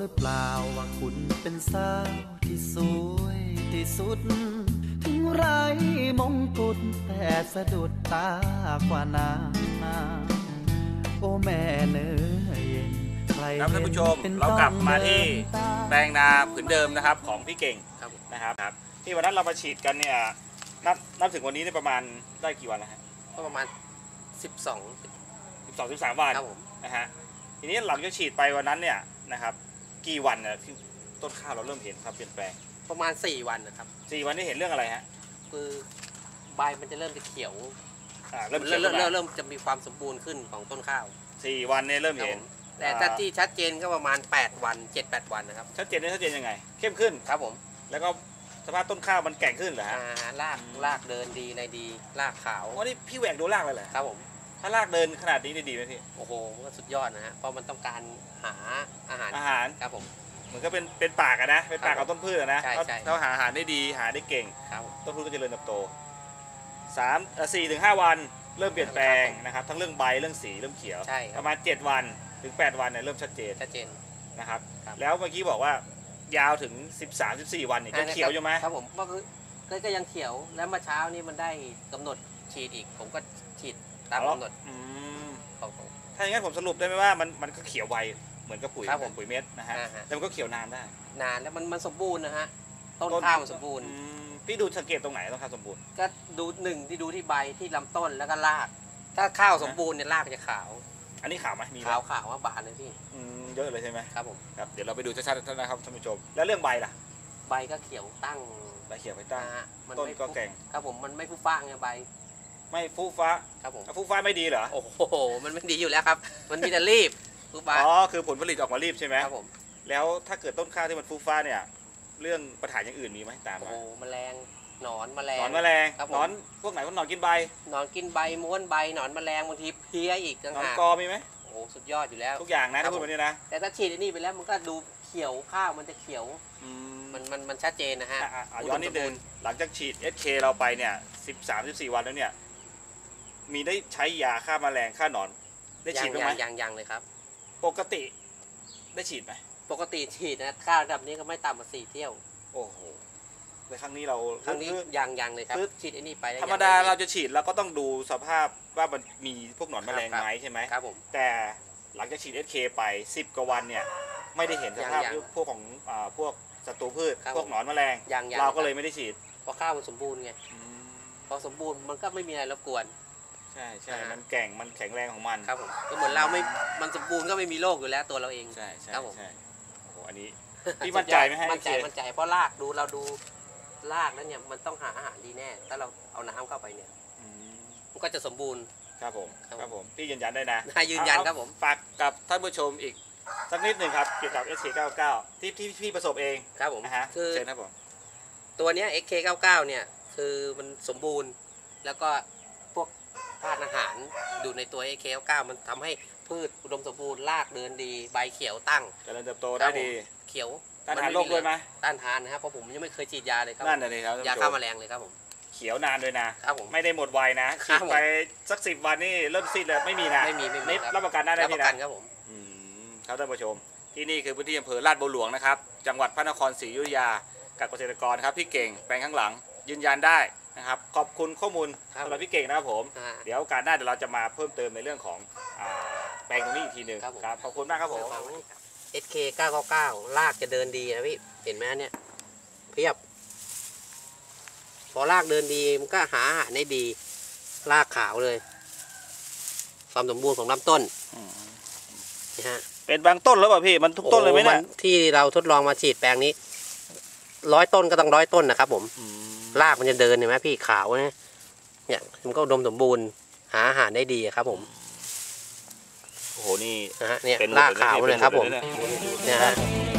รือเปล่าว่าคุณเป็นสาวที่สวยที่สุดถึงไร้มงกุฎแต่สะดุดตากว่านางโอ้แม่เนื้อเย็นใครครับท่านผู้ชมเรากลับมาที่แปลงนาผืนเดิมนะครับของพี่เก่งนะครับที่วันนั้นเรามาฉีดกันเนี่ยนับถึงวันนี้ได้ประมาณได้กี่วันแล้วฮะก็ประมาณ 13 วันนะฮะทีนี้หลังจากฉีดไปวันนั้นเนี่ยนะครับกี่วันเนี่ยที่ต้นข้าวเราเริ่มเห็นครับเปลี่ยนแปลงประมาณ4 วันนะครับ 4 วันนี้เห็นเรื่องอะไรฮะคือใบมันจะเริ่มจะเขียวเริ่มจะมีความสมบูรณ์ขึ้นของต้นข้าว 4 วันเนี่ยเริ่มเห็นแต่ถ้าที่ชัดเจนก็ประมาณ8 วัน 7-8 วันนะครับชัดเจนยังไงเข้มขึ้นครับผมแล้วก็สภาพต้นข้าวมันแก่งขึ้นเหรอฮะรากเดินดีในดีรากขาววันนี้พี่แหวกดูรากเลยเหรอครับผมถ้ารากเดินขนาดนี้ดีไหมพี่โอ้โหก็สุดยอดนะฮะเพราะมันต้องการหาอาหารครับผมเหมือนก็เป็นปากนะเป็นปากของต้นพืชนะถ้าหาอาหารได้ดีหาได้เก่งต้นพืชก็จะเจริญเติบโต4-5 วันเริ่มเปลี่ยนแปลงนะครับทั้งเรื่องใบเรื่องสีเริ่มเขียวประมาณ7 วันถึง8 วันเนี่ยเริ่มชัดเจนนะครับแล้วเมื่อกี้บอกว่ายาวถึง13-14 วันเนี่ยจะเขียวอยู่ไหมครับผมก็ยังเขียวแล้วเมื่อเช้านี้มันได้กำหนดฉีดอีกผมก็ฉีดตามกำหนดถ้าอย่างนั้นผมสรุปได้ไหมว่ามันก็เขียวไวเหมือนกับปุ๋ยเม็ดนะฮะแต่มันก็เขียวนานได้นานแล้วมันสมบูรณ์นะฮะต้นข้าวมันสมบูรณ์พี่ดูสังเกตตรงไหนต้นข้าวสมบูรณ์ก็ดูที่ดูที่ใบที่ลำต้นแล้วก็รากถ้าข้าวสมบูรณ์เนี่ยรากจะขาวอันนี้ขาวไหมมีขาวว่าบานเลยพี่เยอะเลยใช่ไหมครับผมครับเดี๋ยวเราไปดูชัดๆนะครับท่านผู้ชมแล้วเรื่องใบล่ะใบก็เขียวตั้งใบเขียวไปตั้งต้นก็แก่งครับผมมันไม่ฟุ้ฟ้าไงใบไม่ฟูฟ้าครับผมฟูฟ้าไม่ดีเหรอโอ้โหมันไม่ดีอยู่แล้วครับมันมีแต่รีบฟูฟ้าคือผลผลิตออกมารีบใช่ไหมครับผมแล้วถ้าเกิดต้นข้าวที่มันฟูฟ้าเนี่ยเรื่องปัญหาอย่างอื่นมีไหมตามมาโอ้แมลงหนอนแมลงหนอนพวกไหนพวกหนอนกินใบหนอนกินใบม้วนใบหนอนแมลงบางทีเพี้ยอีกหนอนกอมีไหมโอ้สุดยอดอยู่แล้วทุกอย่างนะทุกคนนี้นะแต่ถ้าฉีดอันนี้ไปแล้วมันก็ดูเขียวข้าวมันจะเขียวมันชัดเจนนะฮะย้อนนิดนึงหลังจากฉีด SK เราไปเนี่ย13-14 วันแล้วเนี่ยมีได้ใช้ยาฆ่าแมลงฆ่าหนอนได้ฉีดไหมยังเลยครับปกติได้ฉีดไหมปกติฉีดนะข้าวแบบนี้ก็ไม่ต่ำกว่า4 เที่ยวโอ้โหในครั้งนี้ยังเลยครับฉีดไอ้นี่ไปธรรมดาเราจะฉีดแล้วก็ต้องดูสภาพว่ามันมีพวกหนอนแมลงไหมใช่ไหมครับผมแต่หลังจากฉีด SK ไป10 กว่าวันเนี่ยไม่ได้เห็นสภาพพวกของพวกศัตรูพืชพวกหนอนแมลงเราก็เลยไม่ได้ฉีดเพราะข้าวมันสมบูรณ์ไงพอสมบูรณ์มันก็ไม่มีอะไรรบกวนใช่มันแก่งมันแข็งแรงของมันครับผมก็เหมือนเราไม่มันสมบูรณ์ก็ไม่มีโรคอยู่แล้วตัวเราเองใช่ครับผมโอ้โหอันนี้พี่มั่นใจไหมให้มั่นใจเพราะรากเราดูรากแล้วเนี่ยมันต้องหาอาหารดีแน่ถ้าเราเอาน้ำเข้าไปเนี่ยมันก็จะสมบูรณ์ครับผมพี่ยืนยันได้นะยืนยันครับผมฝากกับท่านผู้ชมอีกสักนิดหนึ่งครับเกี่ยวกับ SK99 ที่พี่ประสบเองครับผมคือเชิญครับผมตัวนี้ SK99 เนี่ยคือมันสมบูรณ์แล้วก็พวกธาตุอาหารอยู่ในตัว SK99 มันทำให้พืชอุดมสมบูรณ์รากเดินดีใบเขียวตั้งเจริญเติบโตได้ดีเขียวต้านทานโรคด้วยไหมต้านทานนะครับเพราะผมยังไม่เคยฉีดยาเลยครับนั่นเลยครับยาฆ่าแมลงเลยครับผมเขียวนานด้วยนะครับผมไม่ได้หมดวัยนะฉีดไปสัก10 วันนี่เริ่มซีดเลยไม่มีนะไม่มีรับประกันได้พี่นะครับผมครับท่านผู้ชมที่นี่คือพื้นที่อำเภอลาดบัวหลวงนะครับจังหวัดพระนครศรีอยุธยากับเกษตรกรครับพี่เก่งแปลงข้างหลังยืนยันได้นะครับขอบคุณข้อมูลสำหรับพี่เก่งนะครับผมเดี๋ยวโอกาสหน้าเดี๋ยวเราจะมาเพิ่มเติมในเรื่องของแปลงตรงนี้อีกทีหนึ่งครับขอบคุณมากครับผม SK999 รากจะเดินดีนะพี่เห็นไหมเนี่ยเพียบพอรากเดินดีมันก็หาอาหารได้ดีรากขาวเลยความสมบูรณ์ของลำต้นนะฮะเป็นบางต้นแล้วป่ะพี่มันทุกต้นเลยไหมเนี่ยที่เราทดลองมาฉีดแปลงนี้100 ต้นก็ต้อง100 ต้นนะครับผมรากมันจะเดินเห็นไหมพี่ขาวเนี่ยมันก็อุดมสมบูรณ์หาอาหารได้ดีครับผมโอ้โหนี่นะฮะเนี่ยรากขาวเลยครับผมเนี่ยฮะ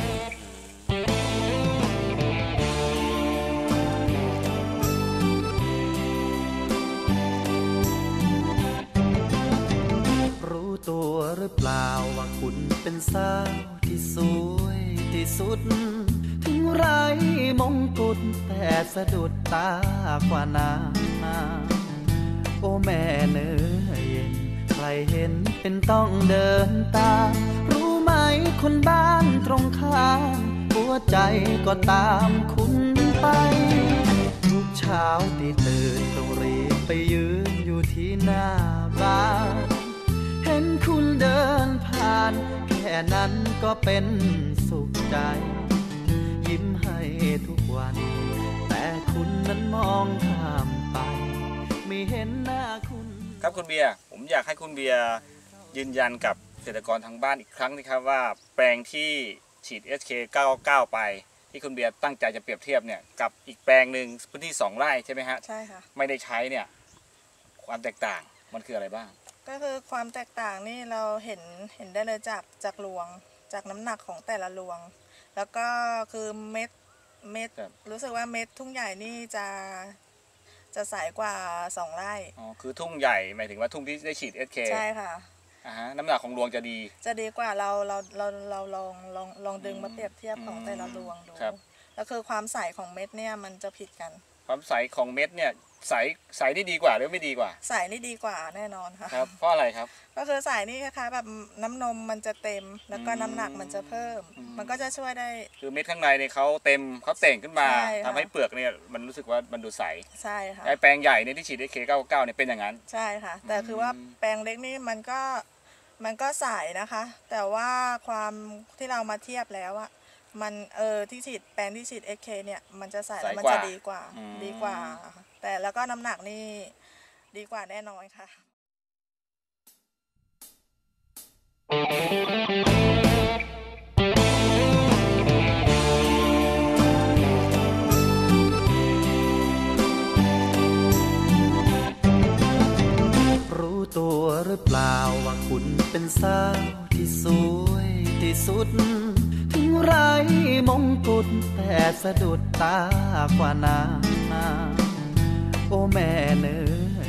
รู้ตัวหรือเปล่าว่าคุณเป็นสาวที่สวยที่สุดถึงไร้มงกุฎแต่สะดุดตากว่านางโอ้แม่เนื้อเย็นใครเห็นเป็นต้องเดินตามรู้ไหมคนบ้านตรงข้าหัวใจก็ตามคุณไปทุกเช้าที่ตื่นต้องรีบไปยืนอยู่ที่หน้าบ้านเห็นคุณเดินผ่านแค่นั้นก็เป็นสุขใจยิ้มให้ทุกวันแต่คุณนั้นมองข้ามไปไม่เห็นหน้าคุณครับคุณเบียร์ผมอยากให้คุณเบียร์ยืนยันกับเกษตรกรทางบ้านอีกครั้งนะครับว่าแปลงที่ฉีด SK 999ไปที่คุณเบียร์ตั้งใจจะเปรียบเทียบเนี่ยกับอีกแปลงหนึ่งพื้นที่2 ไร่ใช่ไหมฮะใช่ค่ะไม่ได้ใช้เนี่ยความแตกต่างมันคืออะไรบ้างก็คือความแตกต่างนี่เราเห็นได้เลยจากรวงจากน้ำหนักของแต่ละรวงแล้วก็คือเม็ดรู้สึกว่าเม็ดทุ่งใหญ่นี่จะใสกว่า2 ไร่อ๋อคือทุ่งใหญ่หมายถึงว่าทุ่งที่ได้ฉีด SK ใช่ค่ะน้ำหนักของรวงจะดีกว่าเราลองดึงมาเปรียบเทียบของแต่ละรวงดูแล้วคือความใสของเม็ดเนี่ยมันจะผิดกันความใสของเม็ดเนี่ยใสนี่ดีกว่าหรือไม่ดีกว่าใสนี่ดีกว่าแน่นอนค่ะครับเพราะอะไรครับก็คือใสนี่คล้ายๆแบบน้ำนมมันจะเต็มแล้วก็น้ำหนักมันจะเพิ่มมันก็จะช่วยได้คือเม็ดข้างในเนี่ยเขาเต็มเขาเต่งขึ้นมาทำให้เปลือกเนี่ยมันรู้สึกว่ามันดูใสใช่ค่ะไอ้แปลงใหญ่เนี่ยที่ฉีดSK99เนี่ยเป็นอย่างนั้นใช่ค่ะแต่คือว่าแปลงเล็กนี่มันก็ใสนะคะแต่ว่าความที่เรามาเทียบแล้วอะมันที่ฉีดแปลงที่ฉีด SK เนี่ยมันจะใสแล้วมันจะดีกว่าแต่แล้วก็น้ำหนักนี่ดีกว่าแน่นอนค่ะรู้ตัวหรือเปล่าว่าคุณเป็นสาวที่สวยที่สุดถึงไร้มงกุฎแต่สะดุดตากว่านางโอ้แม่เนื้อ